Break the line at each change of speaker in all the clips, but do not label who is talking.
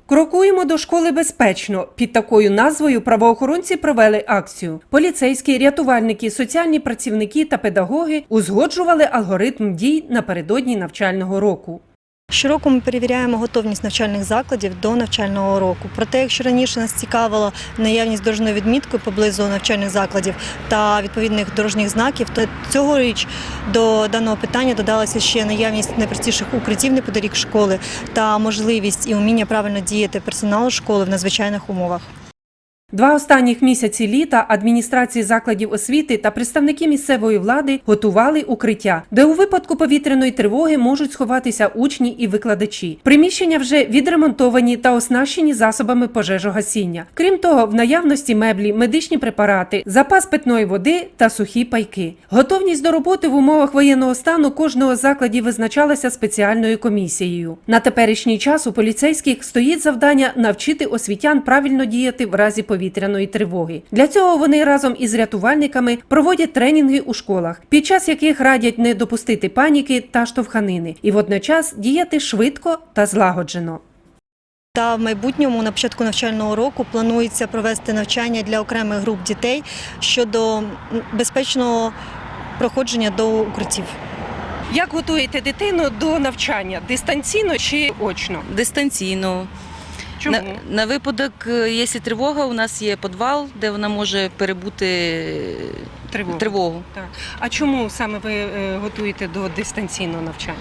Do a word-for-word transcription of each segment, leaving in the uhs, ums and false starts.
Крокуємо до школи безпечно. Під такою назвою правоохоронці провели акцію. Поліцейські, рятувальники, соціальні працівники та педагоги узгоджували алгоритм дій напередодні навчального року.
Щороку ми перевіряємо готовність навчальних закладів до навчального року. Проте, якщо раніше нас цікавила наявність дорожньої відмітки поблизу навчальних закладів та відповідних дорожніх знаків, то цьогоріч до даного питання додалася ще наявність найпростіших укриттів неподалік школи та можливість і уміння правильно діяти персоналу школи в надзвичайних умовах.
Два останніх місяці літа адміністрації закладів освіти та представники місцевої влади готували укриття, де у випадку повітряної тривоги можуть сховатися учні і викладачі. Приміщення вже відремонтовані та оснащені засобами пожежогасіння. Крім того, в наявності меблі, медичні препарати, запас питної води та сухі пайки. Готовність до роботи в умовах воєнного стану кожного з закладів визначалася спеціальною комісією. На теперішній час у поліцейських стоїть завдання навчити освітян правильно діяти в разі повітряної повітряної тривоги. Для цього вони разом із рятувальниками проводять тренінги у школах, під час яких радять не допустити паніки та штовханини і водночас діяти швидко та злагоджено.
Та в майбутньому, на початку навчального року, планується провести навчання для окремих груп дітей щодо безпечного проходження до укриттів.
Як готуєте дитину до навчання? Дистанційно чи очно?
Дистанційно.
Чому?
На, на випадок, якщо тривога, у нас є підвал, де вона може перебути
Тривогу.
тривогу.
Так. А чому саме ви е, готуєте до дистанційного навчання?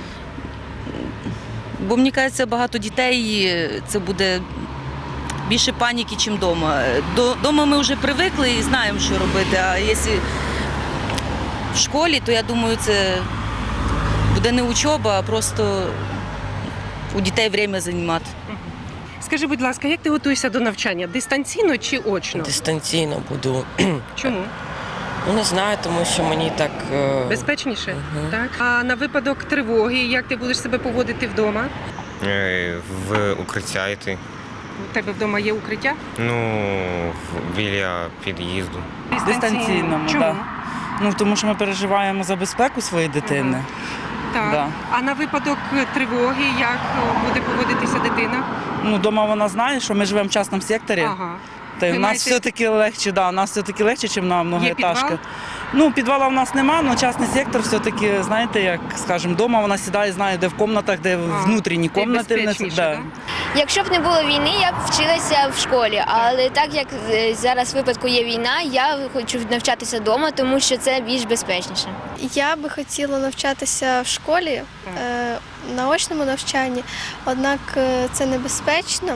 Бо, мені кажеться, багато дітей, це буде більше паніки, ніж вдома. Дома ми вже звикли і знаємо, що робити, а якщо в школі, то я думаю, це буде не учоба, а просто у дітей час займати.
Скажи, будь ласка, як ти готуєшся до навчання? Дистанційно чи очно?
Дистанційно буду.
Чому?
Ну, не знаю, тому що мені так... е,
Безпечніше?
Угу.
Так. А на випадок тривоги, як ти будеш себе поводити вдома?
Е, В укриття йти.
У тебе вдома є укриття?
Ну, в- біля під'їзду.
Дистанційному,
Чому?
так. Ну, тому що ми переживаємо за безпеку своєї дитини.
Так.
Да.
А на випадок тривоги, як буде поводитися дитина?
Ну, дома вона знає, що ми живемо в частному секторі.
Ага.
Та й
Ви
у нас
маєте-
все-таки легше, да, у нас все-таки легше, ніж на многоетажках.
підвал?
Ну, підвала в нас немає, але частний сектор все-таки, знаєте, як, скажімо, вдома вона сідає, знає, де в кімнатах, де
А,
внутрішні
де
кімнати.
безпечніше,
да.
да?
Якщо б не було війни, я б вчилася в школі, але так як е, зараз в випадку є війна, я хочу навчатися вдома, тому що це більш безпечніше.
Я би хотіла навчатися в школі, е, на очному навчанні, однак е, це небезпечно.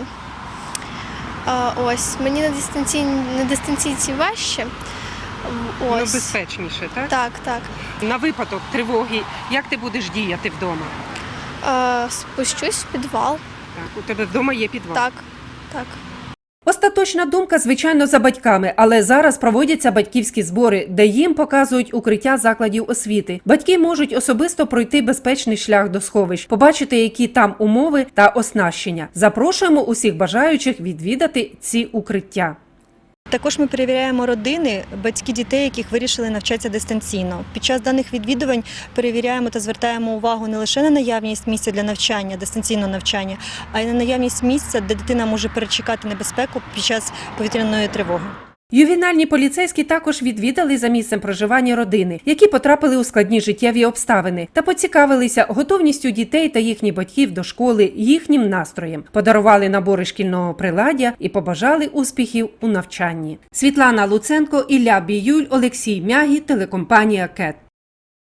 А, ось, мені на дистанційній, на дистанційці важче.
Ну,
Ось.
безпечніше, так?
Так, так.
На випадок тривоги, як ти будеш діяти вдома?
Е, спущусь в підвал.
Так, у тебе вдома є підвал?
Так, так.
Остаточна думка, звичайно, за батьками, але зараз проводяться батьківські збори, де їм показують укриття закладів освіти. Батьки можуть особисто пройти безпечний шлях до сховищ, побачити, які там умови та оснащення. Запрошуємо усіх бажаючих відвідати ці укриття.
Також ми перевіряємо родини, батьки дітей, яких вирішили навчатися дистанційно. Під час даних відвідувань перевіряємо та звертаємо увагу не лише на наявність місця для навчання, дистанційного навчання, а й на наявність місця, де дитина може перечекати небезпеку під час повітряної тривоги.
Ювенальні поліцейські також відвідали за місцем проживання родини, які потрапили у складні життєві обставини, та поцікавилися готовністю дітей та їхніх батьків до школи, їхнім настроєм, подарували набори шкільного приладдя і побажали успіхів у навчанні. Світлана Луценко, Ілля Біюль, Олексій Мягі, телекомпанія КЕТ.